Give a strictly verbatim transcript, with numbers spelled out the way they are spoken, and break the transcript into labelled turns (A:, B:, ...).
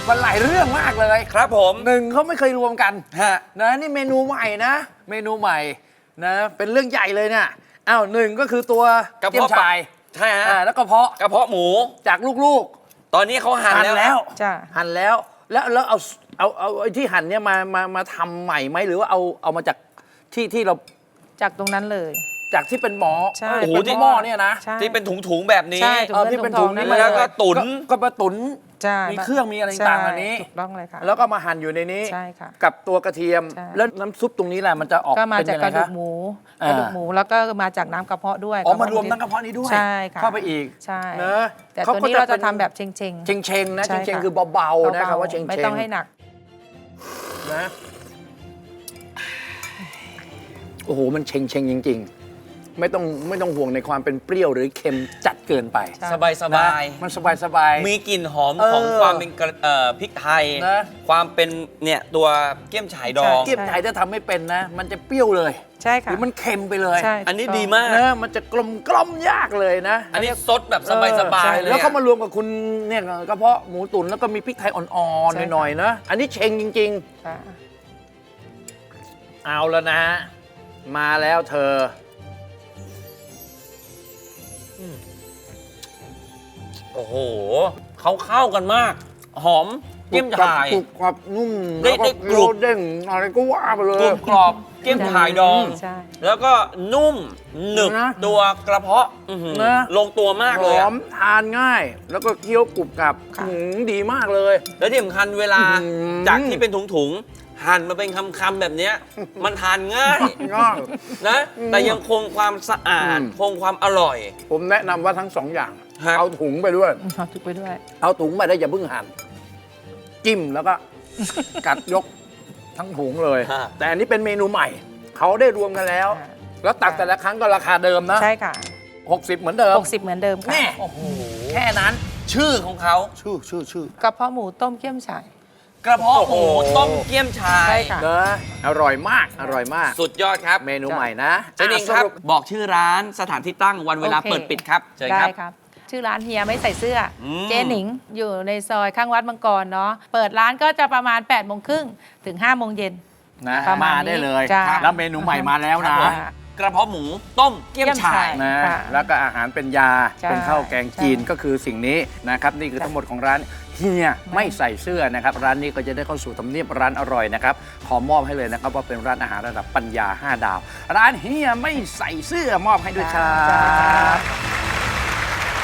A: มันหลายเรื่องมากเลย
B: ครับผม
A: หนึ่งเขาไม่เคยรวมกัน
B: ฮะ
A: นะนี่เมนูใหม่นะ เมนูใหม่นะเป็นเรื่องใหญ่เลยเนี่ยอ้าวหนึ่งก็คือตัว
B: กระ
A: เกี๊ยว
B: เพาะปลา
A: ชาย
B: ใช่ฮะ
A: อ่าแล้วกระเพาะ
B: กระเพาะหมู
A: จากลูก
B: ตอนนี้เขา
A: ๆ
B: หั่น
A: หั่น
B: แล้ว
A: แล้ว
C: จ้ะ
A: หั่นแล้วแล้วแล้วเอาเอาเอาไอ้ที่หั่นเนี่ยมามามาทำใหม่ไหมหรือว่าเอาเอามาจากที่ที่เรา
C: จากตรงนั้นเลย
A: จากที่เป็นหมอ
C: ใช่
A: เอ้ยเป็นหม้อเนี่ยนะ
C: ใช่
B: ที่เป็นถุงๆแบบนี้
C: ใช่
A: เออที่เป็นถุงนี่
C: มา
A: มา
B: แล้วก็ตุ๋น
A: ก็มาตุ๋น
C: ใช่
A: มีเครื่องมีอะไรต่างๆอันนี้
C: ใช่ถูกต้องเลยค่ะ
A: แล้วก็มาหั่นอยู่ในนี้
C: ใช่ค่ะ
A: กับตัวกระเทียม
C: ใช่
A: แล้วน้ำซุปตรงนี้แหละมันจะออก
C: ก็มา
A: เป็น
C: จาก
A: ยัง
C: ก
A: ไง
C: ระดู
A: คะ
C: กหมู
A: อ่าก
C: ระดูกหมูแล้วก็มาจากน้ำกระเพาะด้วย
A: อ๋อมารวมทั้งกระเพาะนี้ด้วย
C: ใช่ค่ะ
A: เข้าไปอีก
C: ใช่
A: เนอะ
C: แต่
A: เขา
C: ตัว
A: ก็
C: นี้
A: จะ
C: เราจะ
A: เป็น
C: ทำแบบเชงเชง
A: เชงเชงๆนะ
C: ใช่
A: เชงเชง
C: ค่ะ
A: คือเบาๆนะครับว่าเชง
C: ไม่
A: เชง
C: ต้องให้หนัก
A: นะโอ้โหมันเชงเชงจริง ๆ ไม่ต้องไม่ต้องห่วงในความเป็นเปรี้ยวหรือเค็มจัดเกินไป
C: ใช่
B: สบายสบาย
A: นะมันสบายสบาย
B: มีกลิ่นหอม
A: เออ
B: ของความเป็นกระเอ่อพริกไทย
A: นะ
B: ความเป็นเนี่ยตัวเกี๊ยมฉายดอง
A: เกี๊ยวไทยถ้าทำไม่เป็นนะ มันจะเปรี้ยวเลย
C: ใช่
A: ห
C: ค่ะ
A: รือมันเค็มไปเลย
C: ใช่
B: อันนี้
C: ถูกต้ง
B: ดีมาก
A: นะมันจะกลมกล่อมยากเลยนะ
B: อันนี้ซดแบบสบายสบายๆเลย
A: แล้ว
B: อะ
A: เขามารวมกับคุณเนี่ยกระเพาะหมูตุ๋นแล้วก็มีพริกไทยอ่อน
C: ใช่
A: ๆ
C: ค่ะ
A: หน่อยๆนะอันนี้เชงจริง
C: ค่ะ
A: ๆ เอาแล้วนะ มาแล้วเธอ
B: โอ้โหเขาเข้ากันมาก หอมเกี๊ยมฉาย
A: กรุบกรอบนุ่ม
B: ได้
A: แล้วก็
B: ได้กรุบ
A: โรเด้งอะไรก็ว่าไปเลย
B: กรุบกรอบเกี๊ยมฉายดอง
C: ใช่
B: แล้วก็นุ่มหนึบ
A: นะ
B: ตัวกระเพาะอื้อหือ
A: นะ
B: ลงตัวมาก
A: ห
B: เลย
A: อ
B: อะ
A: มทานง่าย แล้วก็เคี้ยวกรุบกรับ
C: ค่ะ
A: หืมดีมากเลย
B: แล้วที่สำคัญเวลา
A: อื้อหือ
B: จากที่เป็นถุงๆ หั่นมาเป็นคำๆแบบเนี้ยมันทานง่าย
A: ง่าย
B: นะ แต่ยังคงความสะอาด
A: อืม
B: คงความอร่อย
A: ผมแนะนำว่าทั้งสองอย่าง
B: ฮะ
A: เอาถุงไปด้วย
C: เอาทุกไปด้วย
A: เอาถุงไปได้อย่าเพิ่งหั่นจิ้มแล้วก็ กัดยกทั้งถุงเลย
B: ฮะ
A: แต่อันนี้เป็นเมนูใหม่ เขาได้รวมกันแล้ว
C: ค่ะ
A: แล้วตักแต่ละครั้งก็ราคาเดิมนะ
C: ใช่ค่ะ
A: หกสิบเหมือนเดิม
C: หกสิบเหมือนเดิมค่ะ
A: แน่แค่นั้น
B: ชื่อของเขา
A: ชื่อชื่อชื่อก
C: ระเพาะหมูต้มเกี๊ยมฉ่าย
B: กระเพาะหมู
A: โอ้โห
B: ต้มเกี๊ยมฉา
C: ใช่
B: ย
C: ค่ะ
A: เนอะอร่อยมาก อร่อยมาก
B: สุดยอดครับ
A: เมนูใหม่นะ
B: เจ๊นิงครับ
A: อ่ะสป
B: บอกชื่อร้านสถานที่ตั้งวันเวลา
C: โอเค
B: เปิดปิดครับเชิญ
C: ได้
B: ครับ
C: ครับ ชื่อร้านเฮียไม่ใส่เสื้ออ
B: ม
C: เจ๊หนิงอยู่ในซอยข้างวัดมังกรเนาะเปิดร้านก็จะประมาณ8ปดโมงครึ่งถึง5้าโมงเย็น
A: นะ
C: ประมา
A: มา
C: ณนี้
A: ได้เลย
C: จ้ะ
A: แล้วเมนูใหม่มาแล้วนะ
B: ครับผมกระเพาะหมูต้มเกี๊ยมฉ่าย
A: นะ
C: ค่ะ
A: แล้วก็อาหารเป็นยา
C: ใช่
A: เป็นข้าวแกงจีน
C: ใช่
A: ก็คือสิ่งนี้นะครับนี่คือทั้งหมดของร้านเฮียไม่ใส่เสื้อนะครับร้านนี้ก็จะได้เข้าสู่ทำเนียบร้านอร่อยนะครับขอมอบให้เลยนะครับว่าเป็นร้านอาหารระดับปัญญาห้าดาว ร้านเฮียไม่ใส่เสื้อมอบให้ด้วยครั
C: จ้า
A: บ